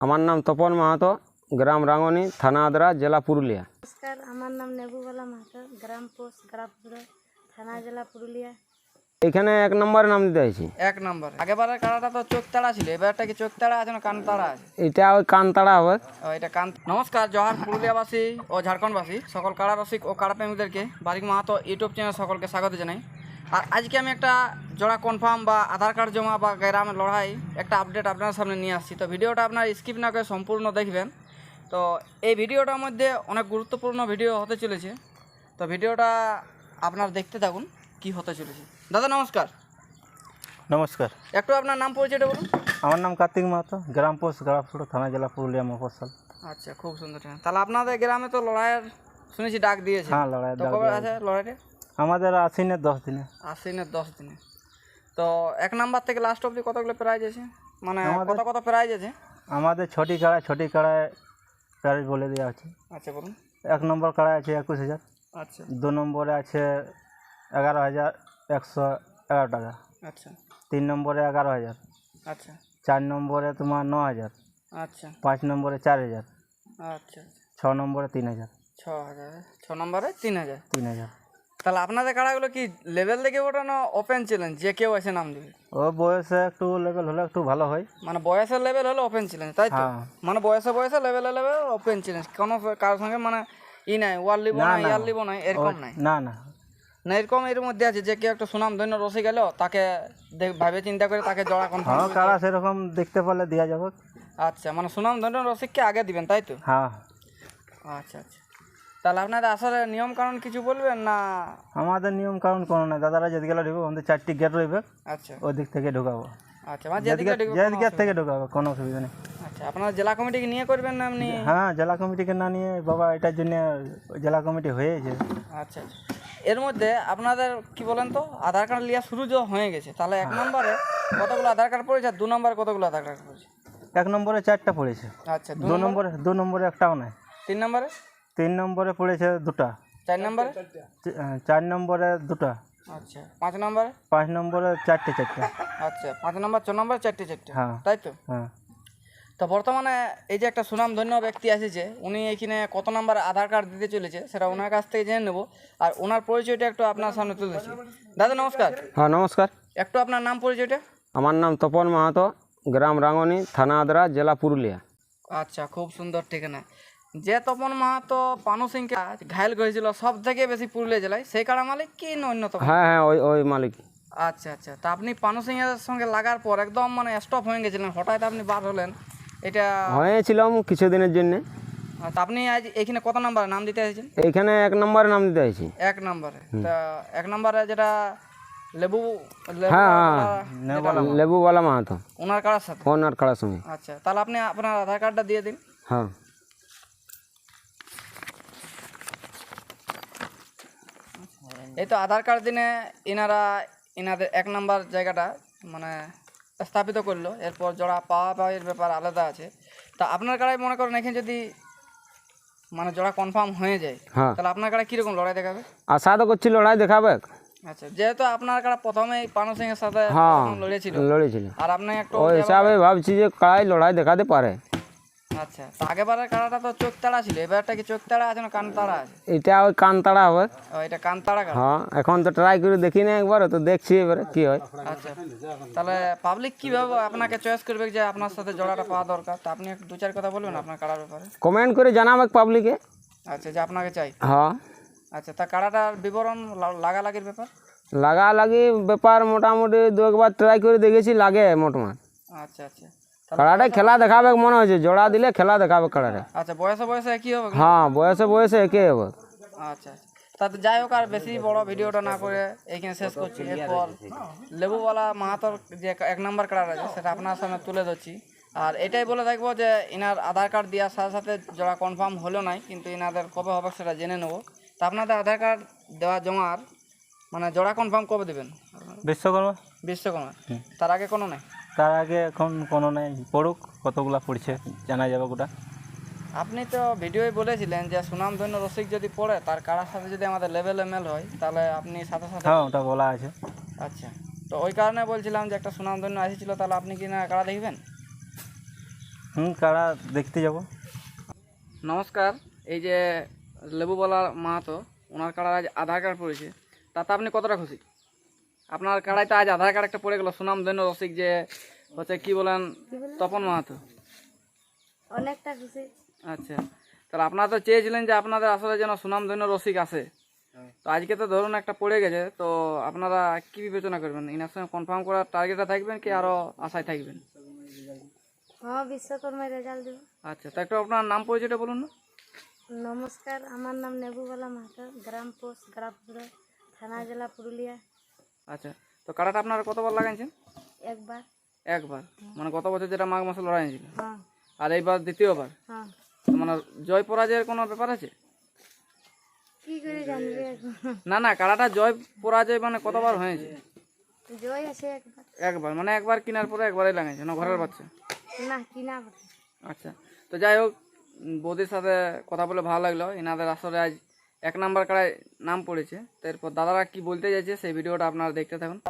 আমার নাম তপন মাহাতো, গ্রাম রাঙ্গনি, থানা আদ্রা, জেলা পুরুলিয়া। নমস্কার, আমার নাম নেবুবালা মাহাতো, গ্রাম পোস্ট গ্রামপুর, থানা জেলা পুরুলিয়া। এখানে 1 নম্বরে নাম দিতে হয়েছি। 1 নম্বর। আগেবারের কাড়াটা তো চোখ তাড়া ছিল, এবারটা কি চোখ তাড়া আছে না কান তাড়া আছে? এটা ওই কানতাড়া হবে। এটা কান। নমস্কার, জহার পুরুলিয়াবাসী ও ঝাড়খণ্ডবাসী সকল কাড়া রসিক ও কাড়া প্রেমীদেরকে বারিক মাহাতো ইউটিউব চ্যানেল সকলকে স্বাগত জানাই। আর আজকে আমি একটা জোড়া কনফার্ম বা আধার কার্ড জমা বা গ্রামের লড়াই একটা আপডেট আপনার সামনে নিয়ে আসছি। তো ভিডিওটা আপনার স্কিপ না করে সম্পূর্ণ দেখবেন। তো এই ভিডিওটার মধ্যে অনেক গুরুত্বপূর্ণ ভিডিও হতে চলেছে, তো ভিডিওটা আপনার দেখতে থাকুন কি হতে চলেছে। দাদা নমস্কার। নমস্কার, একটু আপনার নাম পরিচয়টা বলুন। আমার নাম কার্তিক মাহাতো, গ্রাম পোস্ট গ্রামপুর, থানা জেলা পুরুলিয়া মফস্বল। আচ্ছা, খুব সুন্দর। তাহলে আপনাদের গ্রামে তো লড়াইয়ের শুনেছি ডাক দিয়েছে। হ্যাঁ, লড়াই তো কবে আছে লড়াইটা? আমাদের আশ্বিনের 10 দিনে। আশ্বিনের 10 দিনে। তো 1 নাম্বার থেকে লাস্ট অবধি কতগুলো প্রাইজ আছে, মানে কত প্রাইজ আছে? আমাদের ছটি কাড়ায় প্রাইজ বলে দেওয়া আছে। আচ্ছা বলুন। 1 নম্বর কাড়ায় আছে 21,000। আচ্ছা। 2 নম্বরে আছে 11,111 টাকা। আচ্ছা। 3 নম্বরে 11,000। আচ্ছা। 4 নম্বরে তোমার 9,000। আচ্ছা। 5 নম্বরে 4,000। আচ্ছা। 6 নম্বরে 3,000। 6,000। 6 নম্বরে 3,000। 3,000। তাহলে আপনাদের কাড়াগুলো কি লেভেল দেখে ওঠানো ওপেন চ্যালেঞ্জ, যে কেউ এসে নাম দেবে? ও বয়সে একটু লেভেল হলে একটু ভালো হয়। মানে বয়সের লেভেল হলে ওপেন চ্যালেঞ্জ, তাই তো? হ্যাঁ। মানে বয়সে লেভেল ওপেন চ্যালেঞ্জ, কোনো কারোর সঙ্গে মানে নাই ওয়ার লিব না, ইয়ার লিব না, এরকম নাই? না না, এরকম এর মধ্যে আছে যে কেউ একটা সুনাম ধন্য রসিক গেল, তাকে ভাবে চিন্তা করে তাকে জড়া কনফার্ম। হ্যাঁ, কাড়া সেরকম দেখতে পারলে দেওয়া যাবে। আচ্ছা, মানে সুনাম ধন্য রসিককে আগে দিবেন, তাই তো? হ্যাঁ। আচ্ছা আচ্ছা। তাহলে আপনাদের আসলে নিয়ম কানুন কিছু বলবেন না? আমাদের নিয়ম কারণ কোনো নাই, দাদারা যেদিকে ঢুকবো আমাদের 4টি গেট রইবে। আচ্ছা। ওই দিক থেকে ঢুকাবো। আচ্ছা, মানে যেদিকে গেট থেকে ঢুকাবো, কোনো অসুবিধা নেই। আচ্ছা, আপনারা জেলা কমিটিকে নিয়ে করবেন না এমনি? হ্যাঁ, জেলা কমিটিকে না নিয়ে বাবা, এটার জন্য জেলা কমিটি হয়েছে। আচ্ছা আচ্ছা। এর মধ্যে আপনাদের কি বলেন তো, আধার কার্ড লিয়া শুরু যে হয়ে গেছে, তাহলে 1 নম্বরে কতগুলো আধার কার্ড পড়েছে আর 2 নম্বরে কতগুলো আধার কার্ড পড়েছে? 1 নম্বরে 4টা পড়েছে। আচ্ছা। 2 নম্বরে একটাও নাই। 3 নম্বরে? 3 নম্বরে পড়েছে 2টা। 4 নম্বরে? 4 নম্বরে 2টা। আচ্ছা। 5 নম্বরে? 5 নম্বরে 4টে। আচ্ছা, 5 নম্বর 6 নম্বর 4টে। হ্যাঁ। তাই তো? হ্যাঁ। তো বর্তমানে এই যে একটা সুনাম ধন্য ব্যক্তি এসেছে, উনি এখানে কত নাম্বার আধার কার্ড দিতে চলেছে সেটা ওনার কাছ থেকে জেনে নেব, আর ওনার পরিচয়টা একটু আপনার সামনে তুলে দিচ্ছি। দাদা নমস্কার। হ্যাঁ নমস্কার, একটু আপনার নাম পরিচয়টা। আমার নাম তপন মাহাতো, গ্রাম রাঙ্গনি, থানা আদ্রা, জেলা পুরুলিয়া। আচ্ছা, খুব সুন্দর ঠিকানা। যে তপন মাহাতো পানু সিংকে ঘায়ল করেছিল সব থেকে বেশি পুরুলিয়া জেলায়, সেই কাড়া মালিক কি অন্যতম? হ্যাঁ, ওই মালিক। আচ্ছা আচ্ছা। তা আপনি পানু সিং এর সঙ্গে লাগার পর একদম মানে স্টপ হয়ে গেছিলেন, হঠাৎ আপনি বার হলেন, এটা হয়েছিলাম কিছুদিনের জন্য। তা আপনি আজ এখানে কত নাম্বার নাম দিতে এসেছেন? এইখানে 1 নম্বরে নাম দিতে হয়েছি। 1 নম্বরে। তা 1 নম্বরে যেটা হ্যাঁ, লেবুবালা মাহাতো, ওনার কারার সাথে? ওনার কাড়ার সঙ্গে। আচ্ছা, তাহলে আপনি আপনার আধার কার্ডটা দিয়ে দিন। হ্যাঁ। এই তো আধার কার্ড দিনে এনাদের 1 নাম্বার জায়গাটা মানে স্থাপিত করলো, এরপর জোড়া পাওয়ার ব্যাপার আলাদা আছে। তা আপনার কাড়াই মনে করেন এখানে যদি মানে জোড়া কনফার্ম হয়ে যায়, হ্যাঁ, তাহলে আপনার কাড়াই কীরকম লড়াই দেখাবে? আশা তো করছি লড়াই দেখাবে। আচ্ছা, যেহেতু আপনার কাড়া প্রথমেই পানু সিং এর সাথে লড়েছিল, আর আপনি একটু ওই হিসাবে ভাবছি যে কাড়াই লড়াই দেখাতে পারে। আচ্ছা। তো আগেবারের কাড়াটা তো চোখ তাড়া ছিল, এবারটা কি চোখ তাড়া আছে না কান তাড়া আছে? এটা ওই কানতাড়া হবে। ও, এটা কান তাড়া কাড়া। হ্যাঁ, এখন তো ট্রাই করে দেখি না একবার, তো দেখছি এবারে কি হয়। আচ্ছা, তাহলে পাবলিক কিভাবে আপনাকে চয়েস করবে যে আপনার সাথে জোড়াটা পাওয়া দরকার? তা আপনি একটু 2-4 কথা বলবেন আপনার কাড়ার ব্যাপারে। কমেন্ট করে জানাবে পাবলিকে। আচ্ছা, যে আপনাকে চাই। হ্যাঁ। আচ্ছা, তা কাড়াটার বিবরণ লাগালাগির ব্যাপার? লাগালাগি ব্যাপার মোটামুটি 2-1বার ট্রাই করে দেখেছি, লাগে মোটামুটি। আচ্ছা আচ্ছা। কাড়াটাই খেলা দেখাবে মনে হয়েছে, জোড়া দিলে খেলা দেখাবে কাড়াটা। আচ্ছা, বয়সে একই হবে? হ্যাঁ, বয়সে একই হবে। আচ্ছা, তাতে যাই হোক, আর বেশি বড় ভিডিওটা না করে এইখানে শেষ করছি। এরপর লেবুওয়ালা মাহাতোর যে 1 নাম্বার কার্ড আছে সেটা আপনার সামনে তুলে ধরছি। আর এটাই বলে থাকবো যে ইনার আধার কার্ড দেওয়ার সাথে সাথে জোড়া কনফার্ম হলো নাই, কিন্তু ইনাদের কবে হবে সেটা জেনে নেবো। তা আপনাদের আধার কার্ড দেওয়া জমার মানে জোড়া কনফার্ম কবে দেবেন? বিশ্বকর্মা। তার আগে কোনো নাই? তার আগে এখন কোনো নাই, পড়ুক, কতগুলা পড়ছে জানা যাবে গোটা। আপনি তো ভিডিওয় বলেছিলেন যে সুনামধন্য রসিক যদি পড়ে তার কারার সাথে যদি আমাদের লেভেল এমএল হয়, তাহলে আপনি সাথে সাথে। হ্যাঁ, ওটা বলা আছে। আচ্ছা, তো ওই কারণে বলছিলাম যে একটা সুনামধন্য এসেছিলো, তাহলে আপনি কি না কারা দেখবেন? কাড়া দেখতে যাব। নমস্কার, এই যে লেবুবালা মাহাতো ওনার কাড়ার আজ আধার কার্ড পড়েছে, তাতে আপনি কতটা খুশি? আপনার কাড়ায় তো আজ আধার কার্ড একটা পড়ে গেল, সুনামধন্য রসিক যে হচ্ছে কি বলেন তপন মাহাতো। অনেকটা খুশি। আচ্ছা, তাহলে আপনারা তো চেয়েছিলেন যে আপনাদের আসলে যেন সুনামধন্য রসিক আসে, তো আজকে তো ধরুন একটা পড়ে গেছে, তো আপনারা কি বিবেচনা করবেন? ইনার সঙ্গে কনফার্ম করার টার্গেটে থাকবেন কি আরও আশায় থাকবেন? হ্যাঁ, বিশ্বকর্মায় রেজাল্ট দেব। আচ্ছা, তো একটু আপনার নাম পরিচয়টা বলুন না। নমস্কার, আমার নাম নেবুবালা মাহাতো, গ্রাম পোস্ট গ্রাফপুরা, থানা জেলা পুরুলিয়া। আচ্ছা, তো কাড়াটা আপনারা কতবার লাগাইছেন? একবার। একবার, মানে গত বছর যেটা মাঘ মাসে লড়াই হয়েছিল, হ্যাঁ আর এইবার দ্বিতীয়বার। হ্যাঁ। তো মানে জয় পরাজয়ের কোনো ব্যাপার আছে? কি করে জানবে এখন? না না, কাড়াটা জয় পরাজয় মানে কতবার হয়েছে? জয় আছে একবার। একবার, মানে একবার কেনার পরে একবারই লাগাইছে না ঘরের বাচ্চা? না, কিনা বটে। আচ্ছা, তো যাই হোক, বৌদির সাথে কথা বলে ভালো লাগলো। এনাদের আসলে আজ 1 নাম্বার কাড়ায় নাম পড়েছে। তো এরপর দাদারা কি বলতে চাইছে সেই ভিডিওটা আপনারা দেখতে থাকুন।